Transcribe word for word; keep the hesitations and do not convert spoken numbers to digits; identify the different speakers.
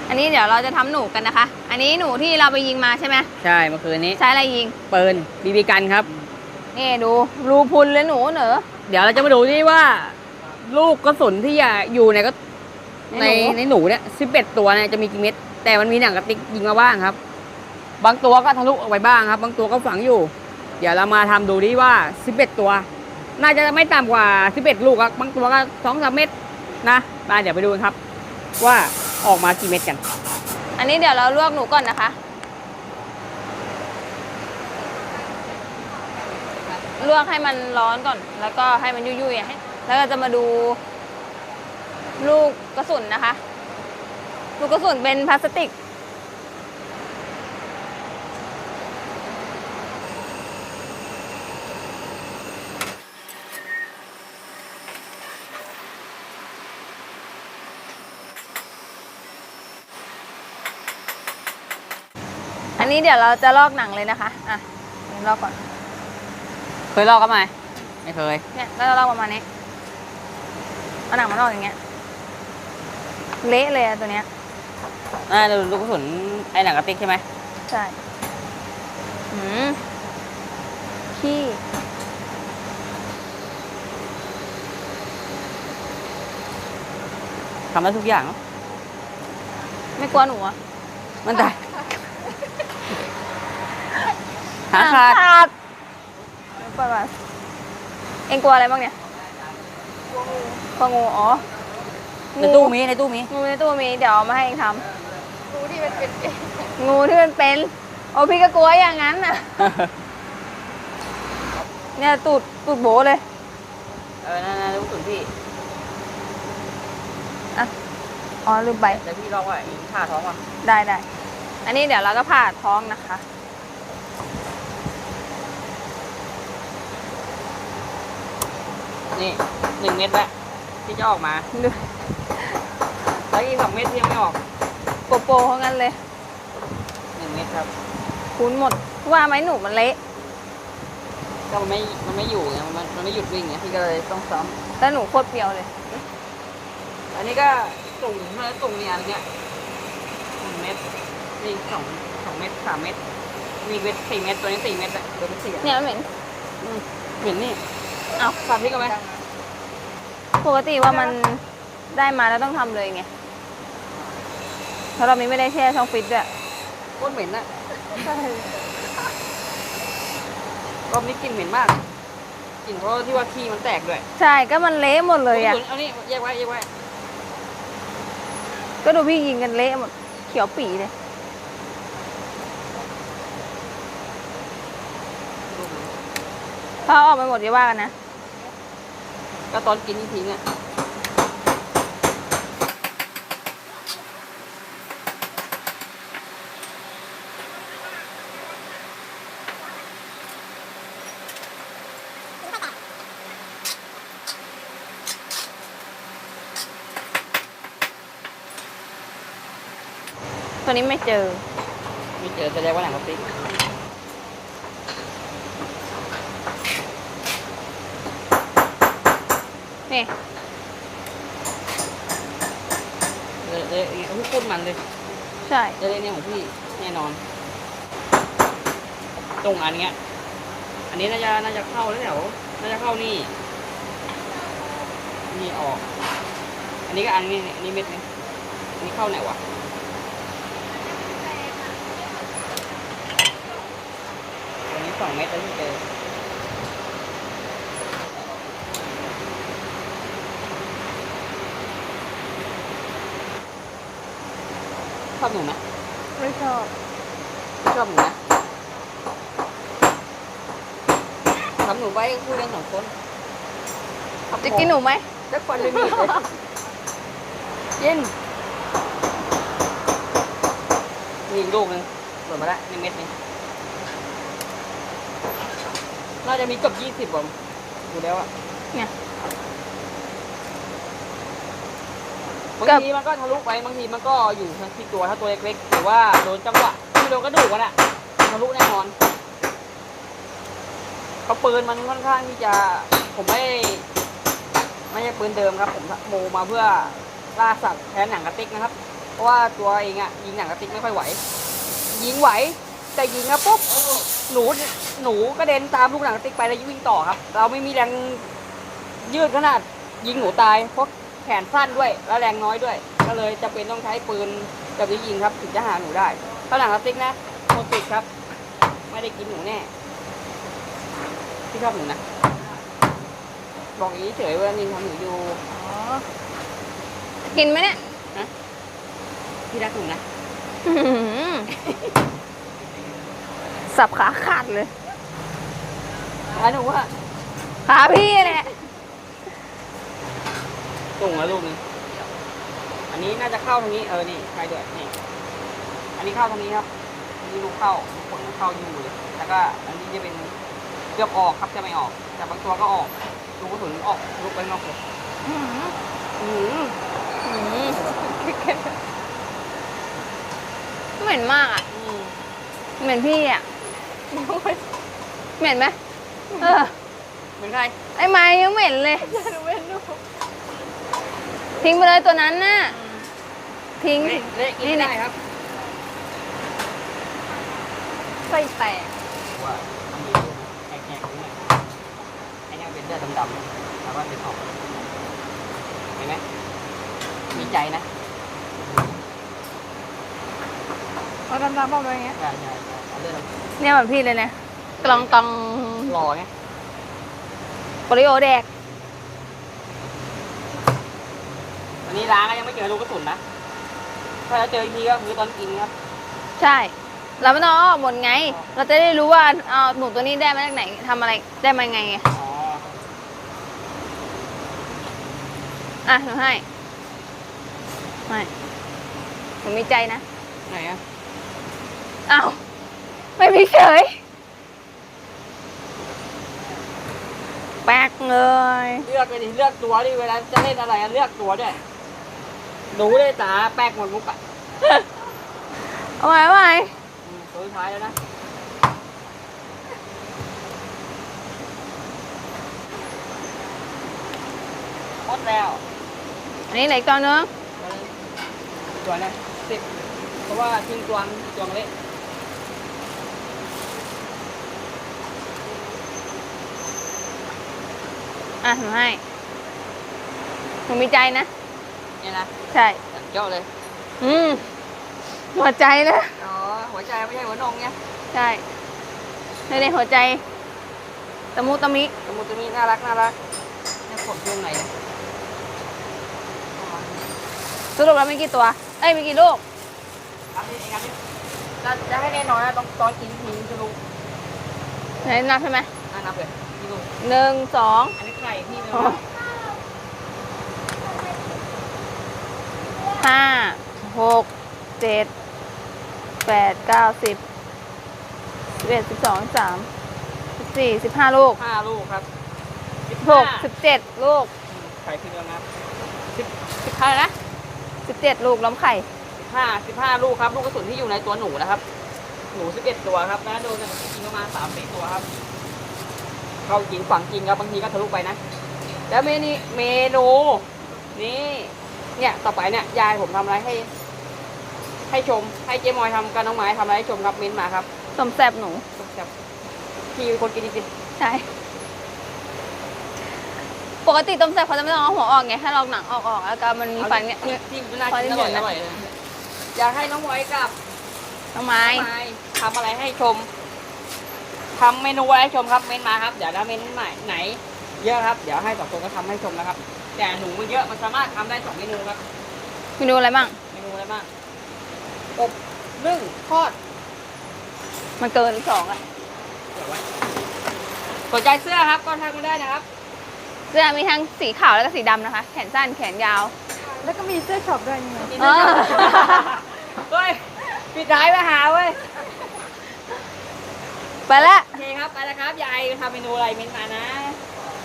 Speaker 1: อันนี้เดี๋ยวเราจะทำหนูกันนะคะ อันนี้หนูที่เราไปยิงมาใช่ไหม
Speaker 2: ใช่เมื่อคืนนี้
Speaker 1: ใช้อะไรยิง
Speaker 2: ปืนบีบีกันครับ
Speaker 1: นี่ดูรูพุนเลยหนูเหนอ
Speaker 2: เดี๋ยวเราจะมาดูที่ว่า ลูกกระสุนที่อยู่ในก็ในในหนูเนี่ยสิบเอ็ดตัวเนี่ยจะมีกี่เม็ดแต่มันมีหนังกระติกยิงมาบ้างครับบางตัวก็ทะลุออกไปบ้างครับบางตัวก็ฝังอยู่เดี๋ยวเรามาทำดูดิว่าสิบเอ็ดตัวน่าจะไม่ต่ำกว่าสิบเอ็ดลูกครับบางตัวก็สองสามเม็ดนะมาเดี๋ยวไปดูกันครับว่าออกมากี่เม็ดกัน
Speaker 1: อันนี้เดี๋ยวเราลวกหนูก่อนนะคะลวกให้มันร้อนก่อนแล้วก็ให้มันยุ่ยๆให้แล้วก็จะมาดูลูกกระสุนนะคะลูกกระสุนเป็นพลาสติกอันนี้เดี๋ยวเราจะลอกหนังเลยนะคะอ่ะลอกก่อน
Speaker 2: เคยลอกกันไหมไม่เคย
Speaker 1: เนี่ยก็จะลอกประมาณนี้เอาหนังมาลอกอย่างเงี้ยเละเลยอะตัวเนี้ย
Speaker 2: อ่าลูกกระสุนไอ้หนังกระติกใช่ไหม
Speaker 1: ใช่หืมขี้
Speaker 2: ทำได้ทุกอย่าง
Speaker 1: ไม่กลัวหนูอ่ะ
Speaker 2: มันได้หาขาด
Speaker 1: ปล่อยมาเอ็งกลัวอะไรบ้างเนี่ยกลัวงูอ๋อ
Speaker 2: ในตู้มีในตู้มี
Speaker 1: งูในตู้มีเดี๋ยวเอามาให้เองทำงูที่มันเป็นงูที่มันเป็นโอ้พี่ก็กลัวอย่างนั้นน่ะเนี่ยตูดตูดโบเลย
Speaker 2: เออนั่นๆลูกสุนพี่
Speaker 1: อ่ะอ๋อลืมไป
Speaker 2: แต่พี่ลองว่าผ่าท้องว่ะ
Speaker 1: ได้ได้อันนี้เดี๋ยวเราก็ผ่าท้องนะคะ
Speaker 2: นี่หนึ่งเม็ดแล้วที่จะออกมาแล้วอีกสองเม็ดยังไม่ออก
Speaker 1: โปโปเพราะงั้นเลย
Speaker 2: หนึ่งเม็ดครับ
Speaker 1: คุ้นหมดว่าไหมหนูมันเละ
Speaker 2: ก็มันไม่มันไม่อยู่ไงมันมันไม่หยุดวิ่งไงพี่ก็เลยต้องซ้
Speaker 1: ำแล้วหนูโคตรเปรี้ยวเลย
Speaker 2: อันนี้ก็ตุ่งเมื่อตุ่งเนี่ยอะไรเงี้ยหนึ่งเม็ดนี่สองสองเม็ดสามเม็ดมีเม็ดสี่เม็ดตัวนี้สี่เม็ดอะตัวนี้สี่
Speaker 1: เนี่ยเหม็น
Speaker 2: เหม็นนี่
Speaker 1: เอา
Speaker 2: ฝากพี่กันไหม
Speaker 1: ปกติว่ามันได้มาแล้วต้องทำเลยไงเพราะเราไม่ได้แช่ช่องฟิตด้วย
Speaker 2: โคตรเหม็นอะรอบนี้กลิ่นเหม็นมากกลิ่นเพราะที่ว่าขี้มันแตกด้วย
Speaker 1: ใช่ก็มันเละหมดเลยอะ
Speaker 2: เอานี่แยกไว้แยกไว้
Speaker 1: ก็ดูพี่ยิงกันเละหมดเขียวปีเลยพอออกไปหมดจะว่ากันนะ
Speaker 2: ก็ตอนกินนี่ทิ้งอ่ะ
Speaker 1: ตัวนี้ไม่เจอ
Speaker 2: ไม่เจอแสดงว่าหนังกระติก
Speaker 1: นี่
Speaker 2: เลยเลยพี่พูดมันเลย
Speaker 1: ใช่
Speaker 2: จะเล่นเนี่ยของพี่แน่นอนตรงอันเนี้ยอันนี้น่าจะน่าจะเข้าแล้วแถวน่าจะเข้านี่นี่ออกอันนี้ก็อันนี้อันนี้เม็ดนึงอันนี้เข้าไหนวะอันนี้สองเม็ดแล้วที่เจอชอบหนูไหม
Speaker 1: ไม่ชอบ
Speaker 2: ชอบหนูนะทำหนูไว้คุยกันสองคน
Speaker 1: จะกินหนูไหม
Speaker 2: จะควันเลยมีเลยยินมีอีกลูกนึงหล่นมาแล้วหนึ่งเม็ดนึงน่าจะมีเกือบยี่สิบผมดูแล้วอะ
Speaker 1: เนี่ย
Speaker 2: บางทีมันก็ทะลุไปบางทีมันก็อยู่ที่ตัวถ้าตัวเล็กๆหรือว่าโดนจังหวะไม่โดนกระดูกมันอะทะลุแน่นอนเขาปืนมันค่อนข้างที่จะผมไม่ไม่ใช่ปืนเดิมครับผมโมมาเพื่อล่าสัตว์แทนหนังกระติกนะครับราะว่าตัวเองอะยิงหนังกระติกไม่ค่อยไหว ยิงไหวแต่ยิงแล้วปุ๊บหนูหนูกระเด็นตามลูกหนังกระติกไปแล้ววิ่งต่อครับ เราไม่มีแรงยืดขนาดยิงหนูตายเพราะแขนสั้นด้วยแล้วแรงน้อยด้วย ก็เลยจะเป็นต้องใช้ปืนแบบนี้ยิงครับถึงจะหาหนูได้ถ้าหนังกระติกนะโมติดครับ ไม่ได้กินหนูแน่ที่ชอบหนูนะบอกอย่างนี้เฉยว่ามีทำหนูอยู่
Speaker 1: อ๋อกินไหมเนี่ย
Speaker 2: ที่รักหนูนะ
Speaker 1: อื้อหือสับขาขาดเลย
Speaker 2: ร้านหนูว่า
Speaker 1: ขาพี่แหละ
Speaker 2: ตุ่งแล้วลูกนึงอันนี้น่าจะเข้าตรงนี้เออนี่ใครด้วยนี่อันนี้เข้าตรงนี้ครับอันนี้ลูกเข้าลูกผลเข้าอยู่เลยแล้วก็อันนี้จะเป็นเกือบออกครับจะไม่ออกแต่บางตัวก็ออกลูกกระสุนออกลูกไปนอกเลย
Speaker 1: อื้อหือ
Speaker 2: อืม
Speaker 1: อื้อหือเหม็นมากอ่ะ
Speaker 2: อืม
Speaker 1: เหม็นพี่อ่ะเหม็นไหมเออ
Speaker 2: เหมือนใคร
Speaker 1: ไอ้ไม้ยังเหม็นเลยทิ้งไปเลยตัวนั้นน่ะทิ้ง
Speaker 2: เละเละกิน
Speaker 1: นี่
Speaker 2: ไม่
Speaker 1: นี่
Speaker 2: ได้ครับ
Speaker 1: ไส้แตก
Speaker 2: ว่ามันมีแอกแอกๆตรงนี้ไอ้เนี่ยเป็นเลือดดำๆแล้วก็เป็นออกเห็นไหมมีใจนะ
Speaker 1: เอาดำๆบอกเลยอย่างเงี้ย
Speaker 2: ใช่ใช่ใช่เอาเลือดดำ
Speaker 1: เนี่ยแบบพี่เลยเนี่ยกลองกอง
Speaker 2: หล่อไง
Speaker 1: โปริโอแดก
Speaker 2: วันนี้ล้างก็ยังไม่เจอลูกกระสุนนะ ถ้าเราเจออีกทีก็คือตอนกินครับ
Speaker 1: ใช่เราไม่ต้องเอาออกหมดไง เราจะได้รู้ว่าเอาหนูตัวนี้ได้มาจากไหนทำอะไรได้มาไงไง
Speaker 2: อ๋อ
Speaker 1: อ่ะหนูให้ไม่หนูมีใจนะ
Speaker 2: ไหนอะ
Speaker 1: อ้าวไม่มีเฉยแป๊กเลย
Speaker 2: เลือกเลยดิ เลือกตัวดิ เวลาจะเล่นอะไรอะเลือกตัวด้วยดูได้ตาแป๊กหมดมุกอะ
Speaker 1: เอาไว้เอาไว้
Speaker 2: อืมตัวสุดท้ายแล้วนะ หมดแล้ว
Speaker 1: อันนี้เหล็กตัวนึง
Speaker 2: ตัวนะสิบเพราะว่าทิ้งตัวงตัวงเละ
Speaker 1: อ่ะหนูให้หนูมีใจนะ
Speaker 2: เนี่ยนะ
Speaker 1: ใช่
Speaker 2: จัดเจ้าเลย
Speaker 1: อืมหัวใจนะ
Speaker 2: อ๋อ หัวใจไม่ใช่หัวนมไง
Speaker 1: ใช่ในในหัวใจตะมุตะมิ
Speaker 2: สมุดตัวนี้น่ารักน่ารักเนี่ยขดช่วงไหนเนี่ย
Speaker 1: สรุปแล้วมีกี่ตัว เอ้ยมีกี่ลูก
Speaker 2: ครับนี่เองครับนี่จะจะให้แน่นอนนะต้องตอนกินทิ้งจะรู้
Speaker 1: ไหนนับใช่ไหม
Speaker 2: น่านับเลยนี่ลูก
Speaker 1: หนึ่งสอง
Speaker 2: อันนี้ไข่พี่ไม่
Speaker 1: อ๋อ
Speaker 2: รู้
Speaker 1: ห้าหกเจ็ดแปดเก้าสิบสิบเอ็ดสิบสองสิบสามสิบสี่สิบห้าลูก
Speaker 2: ห้าลูกครับ
Speaker 1: สิบหกสิบเจ็ดลูก
Speaker 2: ไข่พี่เดียวนะครับ
Speaker 1: สิบสิบเท่าไหร่นะสิบเจ็ดลูกล้อมไข่
Speaker 2: สิบห้าสิบห้าลูกครับ ลูกกระสุนที่อยู่ในตัวหนูนะครับ หนูสิบเอ็ดตัวครับนะโดนจริงประมาณสามสี่ตัวครับ เข้าจริงฝังจริงครับบางทีก็ทะลุไปนะ แล้วเมนูเมนูนี่เนี่ยต่อไปเนี่ยยายผมทำอะไรให้ ให้ชม ให้เจ๊มอยทำกับน้องไม้ทำอะไรให้ชมครับเม้นต์มาครับ
Speaker 1: สมแสบหนู
Speaker 2: แบบพี่เป็นคนกินจริง
Speaker 1: ใช่ ปกติต้มแซ่บเขาจะไม่ต้องเอาหัวออกไง ถ้าลอกหนังออกออกแล้วก็มันมีฟันเงี้ย
Speaker 2: ที่มันน่ากินอร่อยอร่อยเลยอยากให้น้องไว้กับ
Speaker 1: น้องไม้
Speaker 2: น้องไม้ทำอะไรให้ชมทำเมนูอะไรให้ชมครับเม้นต์มาครับเดี๋ยวถ้าเม้นต์ใหม่ไหน เยอะครับเดี๋ยวให้สองคนก็ทำให้ชมนะครับ แต่หนูมันเยอะมันสามารถทำได้สองเมนูครับ
Speaker 1: เมนูอะไรบ้าง
Speaker 2: เมนูอะไรบ้างอบนึ่งทอด
Speaker 1: มันเกินสองอ่ะ
Speaker 2: เดี๋ยวไว้สนใจเสื้อครับก็ทักมาได้นะครับ
Speaker 1: เสื้อมีทั้งสีขาวแล้วก็สีดำนะคะ แขนสั้นแขนยาว
Speaker 3: แล้วก็มีเสื้อช็อปด้วยนี่ไง
Speaker 1: เออ
Speaker 2: เฮ้ยปิดท้ายมาหาเว้ย
Speaker 1: ไปละ
Speaker 2: โอเคครับไปแล้วครับยายทำเมนูอะไรเม้นต์มานะ